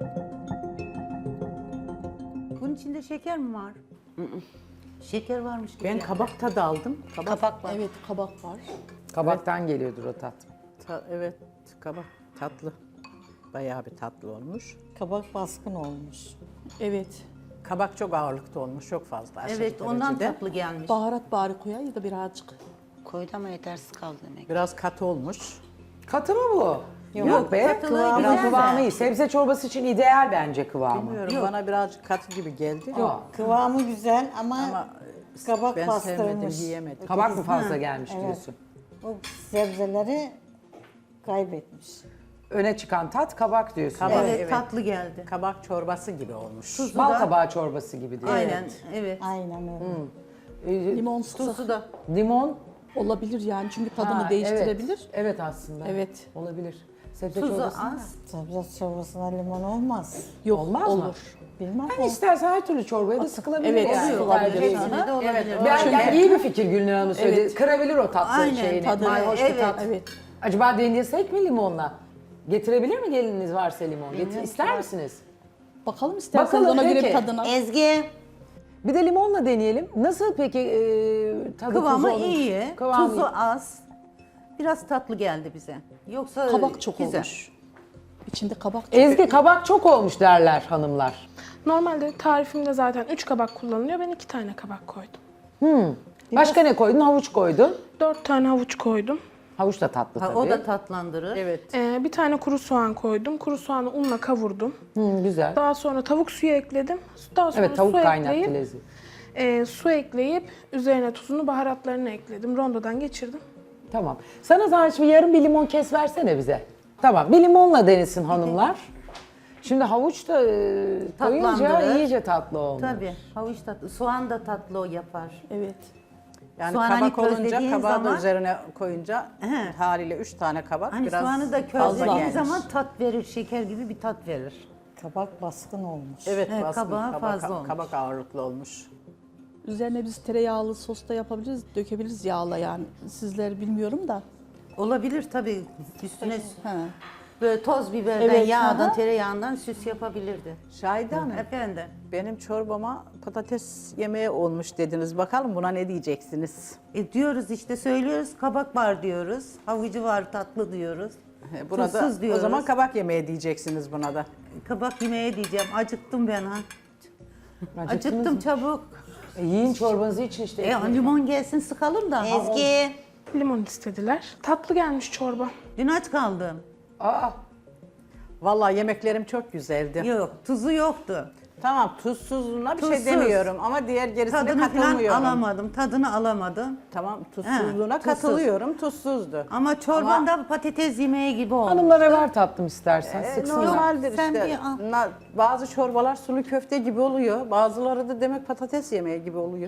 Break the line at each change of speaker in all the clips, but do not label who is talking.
Bunun içinde şeker mi var? Şeker varmış gibi.
Ben
yani.
kabak tadı aldım.
Kabak var.
Evet, kabak var.
Kabaktan geliyordur o tat.
Evet, kabak tatlı. Bayağı bir tatlı olmuş.
Kabak baskın olmuş.
Evet.
Kabak çok ağırlıkta olmuş, çok fazla. Aşırı
Evet, ondan
derecede.
tatlı gelmiş.
Baharat bari koyayım da birazcık.
Koydu ama yetersiz kaldı demek.
Biraz katı olmuş.
Katı mı bu? Yok, be.
katılığı
Kıvamı,
güzel de.
kıvamı iyi. Sebze çorbası için ideal bence kıvamı.
Bilmiyorum, bana birazcık katı gibi geldi.
Yok.
Kıvamı güzel ama kabak
Ben sevmedim,
bastırmış.
yiyemedim.
Kabak mı fazla gelmiş diyorsun?
O sebzeleri kaybetmiş.
Öne çıkan tat kabak diyorsun.
Kabak.
Evet,
Evet.
tatlı geldi.
Kabak çorbası gibi olmuş.
Tuzu
Bal
da-
kabağı çorbası gibi diyor.
Aynen, evet.
Aynen öyle.
Limon sıksa
Tuzu da.
Limon.
olabilir yani çünkü tadını
Ha,
değiştirebilir.
Evet. Evet aslında.
Evet.
Olabilir. Sebze
Tuzu
çorbası.
az.
Sebze çorbasına limon olmaz.
Yok,
Olmaz mı?
olur.
Bilmem
Yani istersen her türlü çorbaya da sıkılabilir
Evet,
yani.
sıkılabilir.
Tercih
Hepsine de
ediyorsun.
olabilir.
Ben yani iyi bir fikir Gülnur Hanım'ın söyledi.
Evet.
Kırabilir o tatlı
Aynen,
şeyini.
tadı.
Mayhoş bir
Evet.
tat.
Evet.
Acaba deneyesek mi limonla? Getirebilir mi gelininiz varsa limon? İster misiniz?
Bakalım isterseniz
Bakalım,
ona göre
peki.
bir tadına.
Ezgi.
Bir de limonla deneyelim. Nasıl peki tadı
Kıvamı
tuzu olmuş?
iyi,
Kıvamı
tuzu
iyi.
az. Biraz tatlı geldi bize. Yoksa
Kabak çok
güzel.
olmuş. İçinde kabak çok.
Ezgi kabak çok olmuş derler hanımlar.
Normalde tarifimde zaten 3 kabak kullanılıyor. Ben 2 tane kabak koydum.
Başka ne koydun? Havuç koydun.
4 tane havuç koydum.
Havuç da tatlı
Ha,
tabii.
o da tatlandırır.
Evet.
Bir tane kuru soğan koydum. Kuru soğanı unla kavurdum.
Güzel.
Daha sonra tavuk suyu ekledim. Daha sonra
Evet, tavuk
su
kaynattı
ekleyip,
lezzet.
su ekleyip üzerine tuzunu, baharatlarını ekledim. Rondodan geçirdim.
Tamam. Sana zahmet bir yarım bir limon kes versene bize. Tamam. Bir limonla denesin hanımlar. Şimdi havuç da koyunca
Tatlandırır.
iyice tatlı olmuş.
Tabii, havuç tatlı. Soğan da tatlı o yapar.
Evet.
Yani
Soğan hani
kabak olunca,
közlediğin
kabağı da
zaman-
üzerine koyunca
He.
haliyle 3 tane kabak
Hani
biraz
soğanı da
fazla
közlediğin
gelmiş.
zaman tat verir, şeker gibi bir tat verir.
Kabak baskın olmuş.
Evet,
Evet,
baskın,
kabağı fazla olmuş.
kabak ağırlıklı olmuş.
Üzerine biz tereyağlı sos da yapabiliriz, dökebiliriz yağla yani. Sizler bilmiyorum da.
Olabilir tabii. Üstüne
He.
böyle toz biberden,
Evet,
yağdan,
aha.
tereyağından süs yapabilirdi.
Şahide Hanım,
Efendim.
benim çorbama patates yemeği olmuş dediniz. Bakalım buna ne diyeceksiniz?
Diyoruz işte, söylüyoruz, kabak var diyoruz. Havucu var, tatlı diyoruz.
Buna da,
Tuzsuz diyoruz.
o zaman kabak yemeği diyeceksiniz buna da.
Kabak yemeğe diyeceğim. Acıktım ben ha.
Acıktınız
Acıktım
mı?
çabuk.
Yiyin çorbanızı için işte.
Limon gelsin sıkalım da.
Ezgi.
Limon istediler. Tatlı gelmiş çorba.
Dün aç kaldım.
Aa,
Vallahi yemeklerim çok güzeldi.
Yok, tuzu yoktu.
Tamam, tuzsuzluğuna bir şey
Tuzsuz.
demiyorum ama diğer gerisine
Tadını falan
katılmıyorum.
alamadım, tadını alamadım.
Tamam, tuzsuzluğuna
tuzsuz.
katılıyorum, tuzsuzdu.
Ama çorban da patates yemeği gibi oldu.
hanımlara ver tatlım istersen. Sıksınlar.
Normaldir
Sen
işte.
bir al.
Bazı çorbalar sulu köfte gibi oluyor. Bazıları da demek patates yemeği gibi oluyor.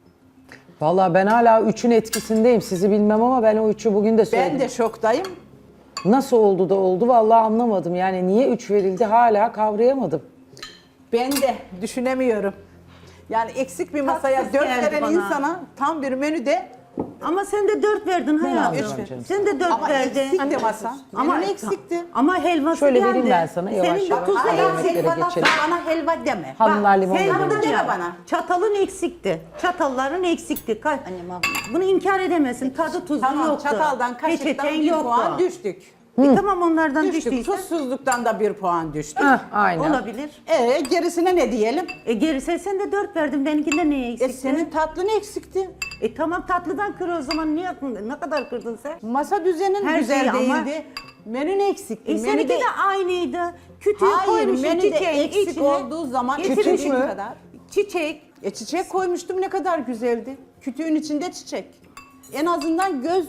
Vallahi ben hala üçün etkisindeyim. Sizi bilmem ama ben o üçü bugün de söyledim.
Ben de şoktayım.
Nasıl oldu da oldu vallahi anlamadım. Yani niye 3 verildi hala kavrayamadım.
Ben de düşünemiyorum. Yani eksik bir masaya
Tatsız
4
geldi
veren
bana.
insana tam bir menüde
Ama sen de 4 verdin hayatım.
alacağım canım?
Sen de 4
ama
verdin.
eksikti masa.
Ama
Menü eksikti.
Ama helvası
Şöyle
geldi.
vereyim ben sana, yavaş
Senin
yavaş.
9
Hayır,
eksik.
yemeklere
Sen bana,
geçelim.
bana helva deme.
Hanımlar limon
Sen
da
bana
demiş.
deme bana.
Çatalın eksikti. Çatalların eksikti. Bunu inkar edemezsin. Tadı tuzu
Tamam,
yoktu.
çataldan, kaşıktan
Peçeten
1
yoktu.
puan düştük.
Tamam, onlardan
Düştük.
düştüyse
Tuzsuzluktan da 1 puan düştük.
Heh, aynen.
olabilir.
Gerisine ne diyelim?
Gerisi sen de 4 verdin. Benimkinde neye eksikti?
Senin tatlın eksikti.
Tamam, tatlıdan kır o zaman. Niye ne kadar kırdın sen?
Masa düzenin
Her
güzel
şeyi ama-
değildi. Menün eksikti.
Seninki de aynıydı. Kütüğü
Hayır,
koymuşsun
menüde
çiçeğin
eksik
içine.
olduğu zaman
Getirmişsin.
kütük mü? Kadar.
Çiçek.
Çiçek koymuştum, ne kadar güzeldi. Kütüğün içinde çiçek. En azından göz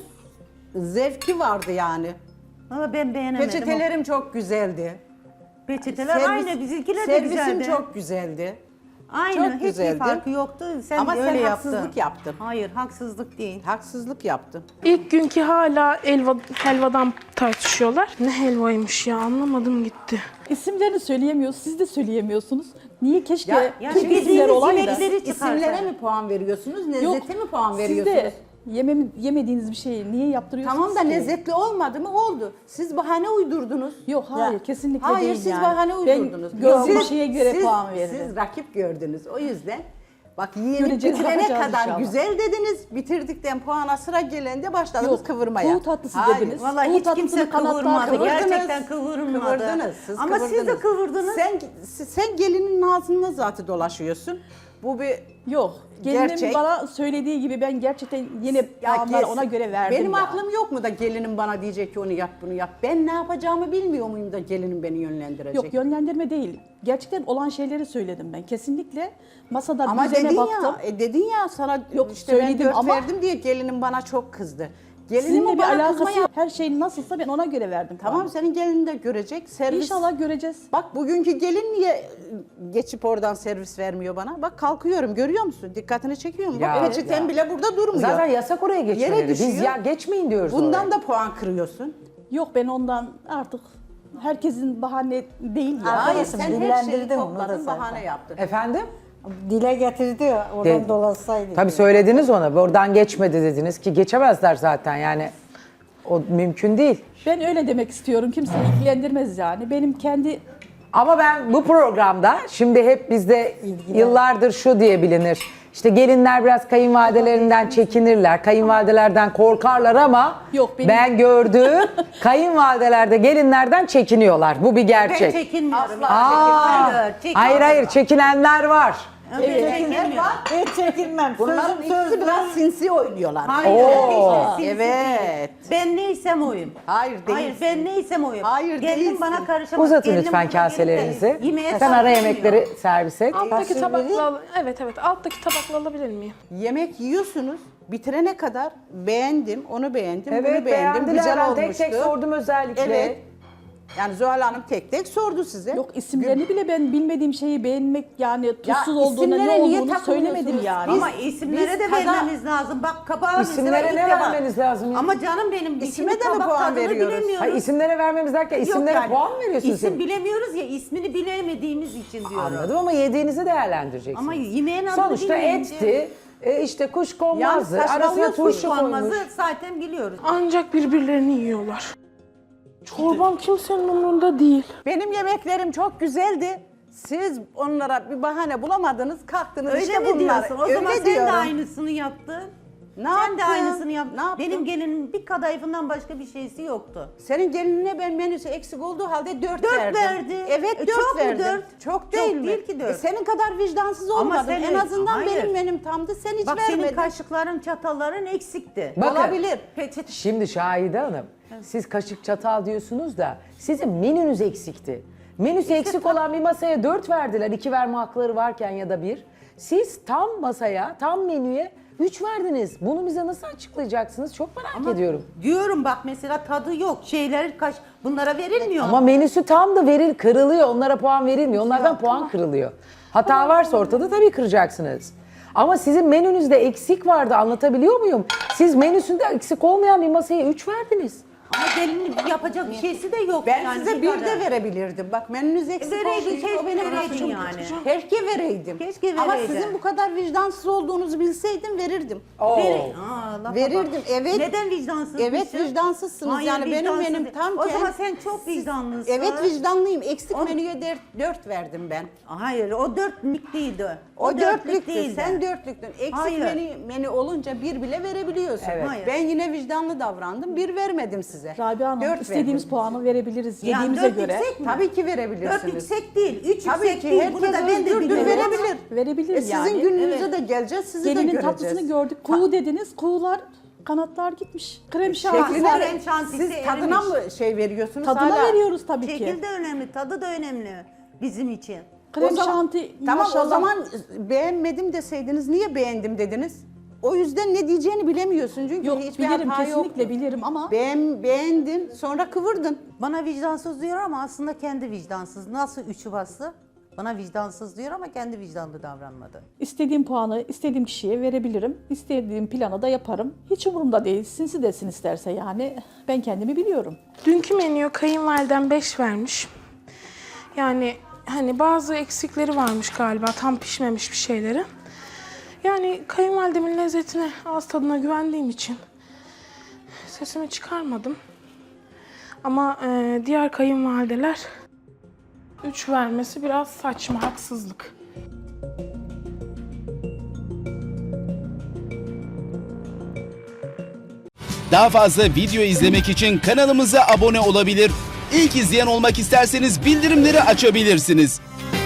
zevki vardı yani.
Ama ben beğenemedim.
Peçetelerim çok güzeldi.
Peçeteler aynı, bizimkiler de güzeldi.
Servisim çok güzeldi.
Aynı,
çok
hiçbir
güzeldi.
farkı yoktu. Sen
Ama
öyle
sen
yaptın.
haksızlık yaptın.
Hayır, haksızlık değil.
Haksızlık yaptın.
İlk günkü hala helvadan tartışıyorlar. Ne helvaymış ya, anlamadım gitti.
İsimlerini söyleyemiyoruz, siz de söyleyemiyorsunuz. Niye keşke
Ya,
yani
Türk
bildiğiniz
isimler olaydı?
yemekleri
İsimlere
çıkarsa.
mi puan veriyorsunuz,
Yok,
lezzete mi puan
siz
veriyorsunuz?
de Yemediğiniz bir şeyi niye yaptırıyorsunuz
Tamam da
ki?
lezzetli olmadı mı? Oldu. Siz bahane uydurdunuz.
Yok hayır kesinlikle
Hayır
değil
siz
yani.
bahane uydurdunuz.
Ben gördüğüm
Siz-
şeye göre
siz-
puan veririm.
Siz rakip gördünüz. O yüzden bak yemek
Göreceğiz,
bitirene
bakacağız
kadar
inşallah.
güzel dediniz. Bitirdikten puana sıra gelende başladınız
Yok,
kıvırmaya.
kuğu tatlısı
Hayır.
dediniz.
Vallahi
Kuğu
hiç kimse
tatlısını kanatlar
kıvırmadı.
kıvırdınız.
Gerçekten kıvırmadı.
Kıvırdınız. Siz
Ama siz de
kıvırdınız.
kıvırdınız.
Sen gelinin ağzında zaten dolaşıyorsun. Bu bir
Yok. Gelinin
Gerçek.
bana söylediği gibi ben gerçekten yine
Ya
puanlar
kes.
ona göre verdim
Benim
ya.
aklım yok mu da gelinim bana diyecek ki onu yap bunu yap. Ben ne yapacağımı bilmiyor muyum da gelinim beni yönlendirecek.
Yok yönlendirme değil. Gerçekten olan şeyleri söyledim ben. Kesinlikle masada
Ama
düzene
dedin
baktım.
ya, dedin ya sana
Yok,
işte ben
söyledim
4
ama-
verdim diye gelinim bana çok kızdı.
Sizinle
Gelinim
bir
bana
alakası
kızmaya...
yok. Her şey nasılsa ben ona göre verdim.
Tamam
puanı.
senin gelinin de görecek. Servis...
İnşallah göreceğiz.
Bak bugünkü gelin niye geçip oradan servis vermiyor bana? Bak kalkıyorum görüyor musun? Dikkatini çekiyor mu?
Ya,
Bak peçeten
ya.
bile burada durmuyor.
Zaten yasak oraya geçmeleri. Biz
düşüyor.
ya geçmeyin diyoruz
Bundan
oraya.
da puan kırıyorsun.
Yok ben ondan artık herkesin bahane değil ya.
Hayır
Arkadaşım,
sen her şeyi
dillendirdin onu da
topladın
zaten.
bahane yaptın.
Efendim?
Dile getirdi ya, oradan
De-
dolaşsaydı.
Tabii söylediniz ona. Oradan geçmedi dediniz ki geçemezler zaten yani. O mümkün değil.
Ben öyle demek istiyorum. Kimseyi ilgilendirmez yani. Benim kendi
Ama ben bu programda şimdi hep bizde yıllardır şu diye bilinir. İşte gelinler biraz kayınvalidelerinden çekinirler. Kayınvalidelerden korkarlar ama
Yok, benim-
ben gördüğüm kayınvalidelerde gelinlerden çekiniyorlar. Bu bir
Ben
gerçek.
çekinmiyorum.
Aa, hayır hayır çekinenler var.
Evet, çekinmiyorum.
Hiç çekinmem.
Bunların
Sözüm
ikisi
söz.
biraz sinsi oynuyorlar.
Hayır.
Oo.
hiç sinsi
Evet.
değil. Ben neysem oyum.
Hayır
Hayır
değilsin.
ben neysem oyum.
Hayır,
Gelinim
değilsin.
bana karışamaz.
Uzatın
Gelinim
lütfen
bana gelip de
kaselerinizi.
yemeğe
Sen ara
karışmıyor.
yemekleri servis et.
Alttaki
Fasulyeyi-
tabakla evet alttaki tabakla alabilir miyim?
Yemek yiyorsunuz. Bitirene kadar beğendim, onu beğendim, bunu
Evet
beğendim.
beğendiler.
Güzel
Ben
olmuştu.
tek tek sordum özellikle.
Evet. Yani Zuhal Hanım tek tek sordu size.
yok isimlerini bile ben bilmediğim şeyi beğenmek yani tuzsuz
Ya
olduğuna ne
isimlere niye
olduğunu söylemedim
takılıyorsunuz?
yani.
Ama isimlere
biz
de
tada-
vermemiz lazım. Bak kabağı
İsimlere
mesela
ne
ilk defa-
vermeniz lazım ya?
Ama canım benim
İsime
ismi
de mi
tabak
puan
tadını
veriyoruz?
bilemiyoruz.
Hayır isimlere vermemiz derken
Yok
isimlere
yani,
puan mı veriyorsunuz?
İsim bilemiyoruz ya ismini bilemediğimiz için diyorum.
Anladım ama yediğinizi değerlendireceksiniz.
Ama yemeğin adını
Sonuçta
bilmeyince-
etti, işte kuş konmazdı,
Ya
arasına
saçmalıyorsun,
turşu
Konmazı
koymuş.
zaten biliyoruz.
Ancak birbirlerini yiyorlar. Çorbam kimsenin umurunda değil.
Benim yemeklerim çok güzeldi. Siz onlara bir bahane bulamadınız, kalktınız
Öyle
işte
mi
bunlar.
diyorsun? O
Öyle
zaman sen
diyorum.
de aynısını yaptın.
Ne
Sen
yaptın?
de aynısını yaptın.
Ne yaptın?
Benim gelinin bir kadayıfından başka bir şeysi yoktu.
Senin gelinine ben menüsü eksik olduğu halde 4
Dört
verdim.
verdi.
Evet 4
çok mu
verdim.
dört?
Çok değil mi?
değil ki dört.
Senin kadar vicdansız
Ama
olmadım.
sen
En
öyle-
azından
Hayır.
benim menüm tamdı. Sen hiç
Bak
vermedin.
senin kaşıkların, çatalların eksikti.
Bakın,
Olabilir.
Şimdi Şahide Hanım, siz kaşık çatal diyorsunuz da sizin menünüz eksikti. Menüsü eksik olan bir masaya 4 verdiler, 2 verme hakları varken ya da 1. Siz tam masaya, tam menüye 3 verdiniz. Bunu bize nasıl açıklayacaksınız? Çok merak ediyorum.
Diyorum bak mesela tadı yok. Şeyler bunlara verilmiyor.
Ama menüsü tam da kırılıyor. Onlara puan verilmiyor. Onlardan puan kırılıyor. Hata varsa ortada tabii kıracaksınız. Ama sizin menünüzde eksik vardı. Anlatabiliyor muyum? Siz menüsünde eksik olmayan bir masaya 3 verdiniz.
Ama gelinin yapacak bir şeysi de yok.
Ben
yani
size
bir
bir
kadar.
de verebilirdim. Bak menünüz eksik
Vereydin,
olsaydı
keşke
o benim
vereydin
hakkım.
yani.
Keşke vereydim.
Keşke
Ama
vereydin.
sizin bu kadar vicdansız olduğunuzu bilseydim verirdim.
Lafa
Verirdim,
bak.
evet.
Neden vicdansızmışsın?
Evet vicdansızsınız.
Hayır,
yani benim
vicdansız
menüm
değil.
tam
O zaman sen çok vicdanlısın.
Evet vicdanlıyım. Eksik
O-
menüye 4 verdim ben.
Hayır o dörtlük değildi.
O dörtlüktü.
değildi.
Sen dörtlüktün. Eksik
Hayır.
menü olunca bir bile verebiliyorsun.
Evet.
Hayır.
Ben yine vicdanlı davrandım. Bir vermedim size.
Rabia Hanım
Dört
istediğimiz
verdim.
puanı verebiliriz
Yani
yediğimize
dört
göre.
yüksek mi?
Tabii ki
Dört
verebilirsiniz.
yüksek değil, üç
Tabii
yüksek
ki
değil.
herkes
Bunu da ben de
özgürdür,
biliyorum.
verebilir.
Verebilir yani.
Sizin gününüze
Evet.
de geleceğiz, sizi de
Gelinin
göreceğiz.
tatlısını gördük. Kuğu dediniz. Kuğular kanatlar gitmiş. Krem şanti
Şekli
var.
krem şantisi
Siz tadına
erimiş.
mı şey veriyorsunuz?
Tadına
hala?
veriyoruz tabii ki.
Şekil de önemli, tadı da önemli bizim için.
Krem
O zaman-
şanti
Tamam
maşallah.
o zaman beğenmedim deseydiniz niye beğendim dediniz? O yüzden ne diyeceğini bilemiyorsun çünkü
Yok
hiçbir
bilirim
hata
kesinlikle
yoktu.
bilirim ama
Beğendin sonra kıvırdın.
Bana vicdansız diyor ama aslında kendi vicdansız. Nasıl üçü bastı? Bana vicdansız diyor ama kendi vicdanlı davranmadı.
istediğim puanı istediğim kişiye verebilirim. İstediğim planı da yaparım. Hiç umurumda değil. Sinsi desin isterse yani. Ben kendimi biliyorum.
Dünkü menüye kayınvaliden 5 vermiş. Yani hani bazı eksikleri varmış galiba tam pişmemiş bir şeyleri. Yani kayınvalidemin lezzetine, ağız tadına güvendiğim için sesimi çıkarmadım. Ama diğer kayınvalideler 3 vermesi biraz saçma, haksızlık.
Daha fazla video izlemek için kanalımıza abone olabilir. İlk izleyen olmak isterseniz bildirimleri açabilirsiniz.